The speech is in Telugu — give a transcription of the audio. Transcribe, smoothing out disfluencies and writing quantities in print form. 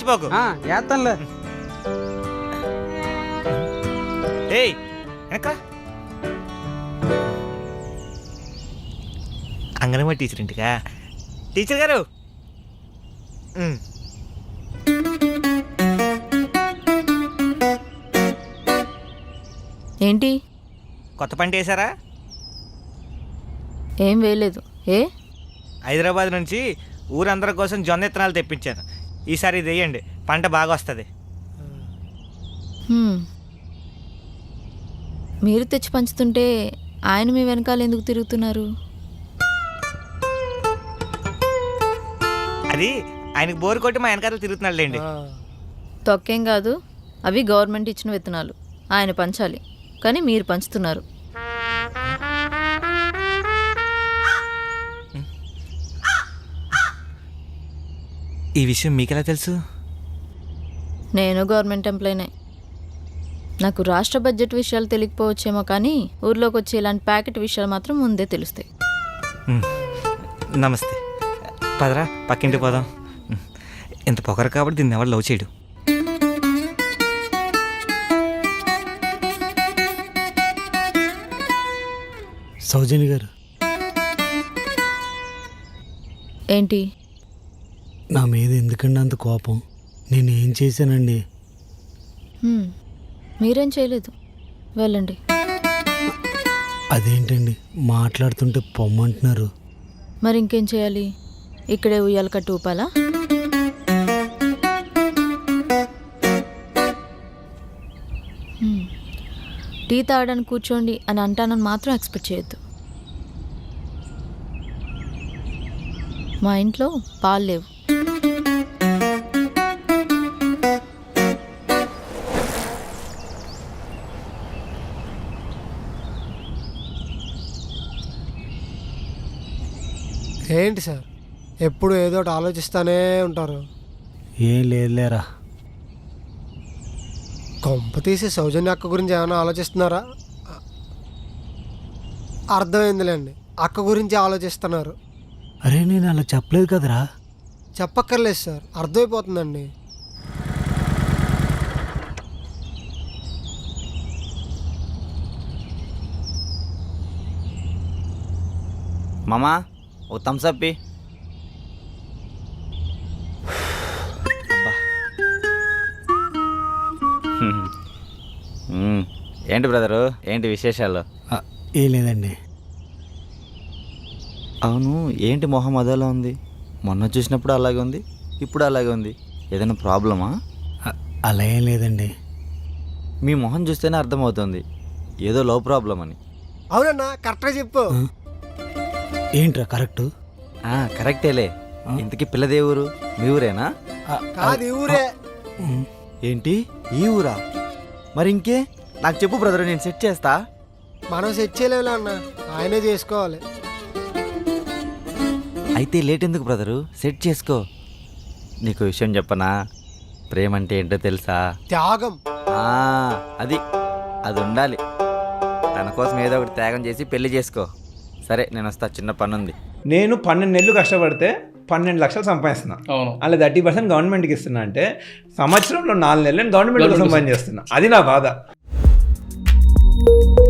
మర్చిపోకు. వేస్తానులే. ఏయ్ వెనక అంగన్వాడీ టీచర్ ఇంటికా? టీచర్ గారు ఏంటి? కొత్త పంట వేసారా? ఏం వేయలేదు. ఏ? హైదరాబాద్ నుంచి ఊరందరి కోసం జొన్న విత్తనాలు తెప్పించాను. ఈసారి ఇది వేయండి, పంట బాగా వస్తుంది. మీరు తెచ్చి పంచుతుంటే ఆయన మీ వెనకాల ఎందుకు తిరుగుతున్నారు? అది ఆయనకు బోరు కొట్టి మా వెనకాల తిరుగుతున్నాడులేండి. తొక్కేం కాదు, అవి గవర్నమెంట్ ఇచ్చిన విత్తనాలు, ఆయన పంచాలి. కానీ మీరు పంచుతున్నారు. ఈ విషయం మీకెలా తెలుసు? నేను గవర్నమెంట్ ఎంప్లాయీనే. నాకు రాష్ట్ర బడ్జెట్ విషయాలు తెలియకపోవచ్చేమో, కానీ ఊర్లోకి వచ్చి ఇలాంటి ప్యాకెట్ విషయాలు మాత్రం ముందే తెలుస్తాయి. నమస్తే. పదరా పక్కింటి పోదాం. ఇంత పొగరు కాబట్టి దీన్ని ఎవరు లవ్ చేయడు. సౌజన్య గారు, ఏంటి? నా మీద ఎందుకండి అంత కోపం? నేనేం చేశానండి? మీరేం చేయలేదు, వెళ్ళండి. అదేంటండి మాట్లాడుతుంటే పొమ్మంటున్నారు? మరి ఇంకేం చేయాలి? ఇక్కడే ఉయ్యాల కట్టి ఊపాలా? టీ తాగడానికి కూర్చోండి అని అంటానని మాత్రం ఎక్స్పెక్ట్ చేయొద్దు. మా ఇంట్లో పాలు లేవు. ఏంటి సార్ ఎప్పుడు ఏదో ఒకటి ఆలోచిస్తానే ఉంటారు? ఏం లేదులేరా. కొంప తీసి సౌజన్య అక్క గురించి ఏమైనా ఆలోచిస్తున్నారా? అర్థమైందిలేండి, అక్క గురించి ఆలోచిస్తున్నారు. అరే నేను అలా చెప్పలేదు కదరా. చెప్పక్కర్లేదు సార్, అర్థమైపోతుందండి. మామా ఓ థమ్సప్. ఏంటి బ్రదరు, ఏంటి విశేషాలు? ఏం లేదండి. అవును, ఏంటి మొహం అదోలా ఉంది? మొన్న చూసినప్పుడు అలాగే ఉంది, ఇప్పుడు అలాగే ఉంది. ఏదైనా ప్రాబ్లమా? అలా ఏం లేదండి. మీ మొహం చూస్తేనే అర్థమవుతుంది ఏదో లో ప్రాబ్లం అని. అవునన్నా, కరెక్ట్గా చెప్పు. ఏంట్రా కరెక్టు? కరెక్టేలే. ఇంతకీ పిల్లదే ఊరు? మీ ఊరేనా? కాదు, ఈ ఊరే. ఏంటి ఈ ఊరా? మరి ఇంకే నాకు చెప్పు బ్రదర్, నేను సెట్ చేస్తా. మనం సెట్ చేయలేము అన్న, ఆయనే చేసుకోవాలి. అయితే లేట్ ఎందుకు బ్రదరు, సెట్ చేసుకో. నీకు విషయం చెప్పనా? ప్రేమ అంటే ఏంటో తెలుసా? త్యాగం. అది ఉండాలి. తన కోసం ఏదో ఒకటి త్యాగం చేసి పెళ్లి చేసుకో. సరే నేను వస్తా, చిన్న పని ఉంది. నేను 12 నెలలు కష్టపడితే 12 లక్షలు సంపాదిస్తున్నా. అలా 30% గవర్నమెంట్కి ఇస్తున్నా అంటే సంవత్సరంలో 4 నెలలు నేను గవర్నమెంట్ కోసం పని చేస్తున్నా. అది నా బాధ.